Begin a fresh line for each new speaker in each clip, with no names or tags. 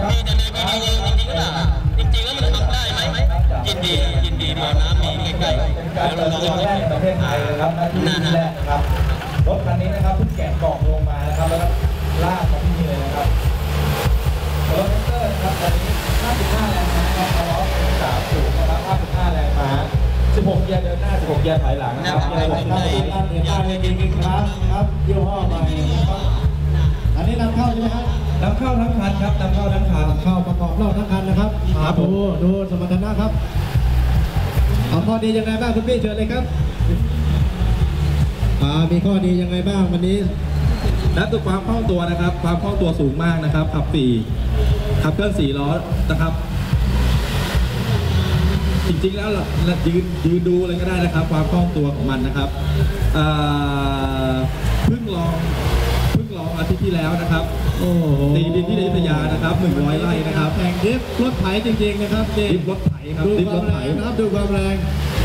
มีแต่ในวิดีโอจริงๆก็ได้จริงๆแล้วมันทำได้ไหมยินดีบ่อน้ำมีใกล้ๆแล้วเราลองให้ประเทศไทยนะครับนั่นนะครับรถคันนี้นะครับเพิ่งแกะกล่องลงมานะครับแล้วก็ลากมาที่นี่เลยนะครับรถเตอร์นะครับตอนนี้55แรงม้าครับล้อ3สูงนะครับ55แรงม้า16เกียร์เดินหน้า16เกียร์ถอยหลังนะครับเกียร์6ได้
ครับยี่ห้อใหม่อันนี้นำเข้าใช่ไหมครับ
นำเข้าทั้งคันครับนำเข้าทั้งคัน
เข้าประกอบรอบทั้งคันนะครับดูสมรรถนะครับเอาข้อดียังไงบ้างคุณพี่เชิญเลยครับมีข้อดียังไงบ้างวันนี้
นับตัวความคล่องตัวนะครับความคล่องตัวสูงมากนะครับขับขับเคลื่อน4 ล้อนะครับจริงๆแล้วยืนดูเลยก็ได้นะครับความคล่องตัวของมันนะครับเพิ่งลองอาทิตย์ที่แล้วนะครับตีดินที่อยุธยานะครับ100 ไร่นะครับ
แข่งดิฟรถไถจริงๆนะครับ
ดิฟรถไถครับ
ดิฟรถไถนะครับดูความแรง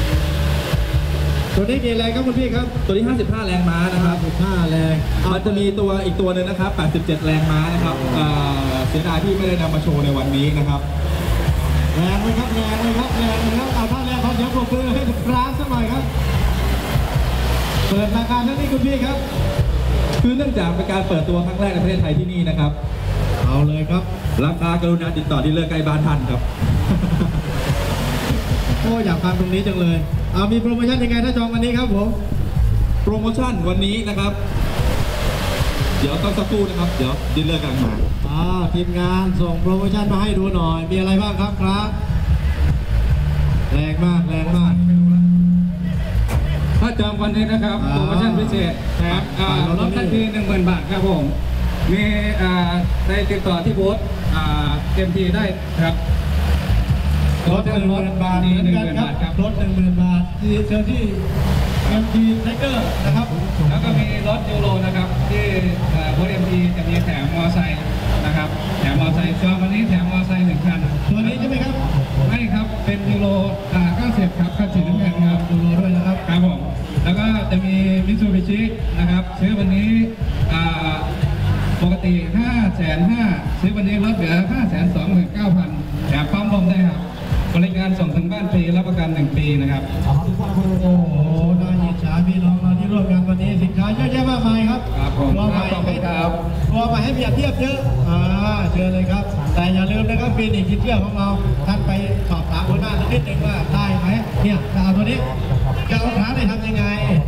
ตัวนี้กี่แรงครับคุณพี่ครับ
ตัวนี้55แรงม้านะครับ
55แรง
มันจะมีอีกตัวนึงนะครับ87แรงม้านะครับเสียดายที่ไม่ได้นำมาโชว์ในวันนี้นะครับ
แรงไหมครับแรงไหมครับแรงไหมครับถ้าแรงเขาเดี๋ยวปรบมือให้ร้านสักหน่อยครับเปิดราคาเท่านี้คุณพี่ครับ
คือเนื่องจากเป็นการเปิดตัวครั้งแรกในประเทศไทยที่นี่นะครับ
เอาเลยครับ
ราคากรุณาติดต่อดีลเลอร์ใกล้บ้านท่านครับ
โอ้อยากฟังตรงนี้จังเลยมีโปรโมชั่นยังไงถ้าจองวันนี้ครับผม
โปรโมชั่นวันนี้นะครับเดี๋ยวต้องสักครู่นะครับเดี๋ยวดีลเลอร์กำลังมา
ทีมงานส่งโปรโมชั่นมาให้ดูหน่อยมีอะไรบ้างครับแรงมาก
ถ้าจองวันนี้นะครับโปรโมชั่นพิเศษนะครับรถทันที 10,000 บาทครับผมมีได้ติดต่อที่บูธเต็มทีได้ครับ
รถ 10,000 บาทเหมือนกันครับรถ 10,000 บาทที่เจอที่MG Tiger นะครับ
แล้วก็มีรถยูโรนะครับที่บูธ MG จะมีแถมมอไซค์นะครับแถมมอไซค์จองวันนี้แถมมอไซค์1 คัน
ตัวนี้ใช่ไหมครับ
ไม่ครับเป็นยูโร90ครับคันสีน้ำเงินครับ
ยูโรด้วยนะครับ
ครับผมแล้วก็จะมีมิตซูบิชินะครับซื้อวันนี้ปกติ550,000ซื้อวันนี้ลดเหลือ529,000แถมปั๊มลมได้ครับบริการส่งถึงบ้านฟรีรับประกัน1 ปีนะครับ
โอ้โหน่าอิจฉาพี่น้องเราที่ร่วมงานวันนี้สินค้าเยอะแยะมากมายครับ
ครับผม
รอมาให้เปรียบเทียบเยอะเชิญเลยครับแต่อย่าลืมนะครับปีนี้คิดเชื่อของเราท่านไปสอบถามหัวหน้านิดนึงว่าได้ไหมเนี่ยเอาตัวนี้จะเอาขาได้ทำยังไง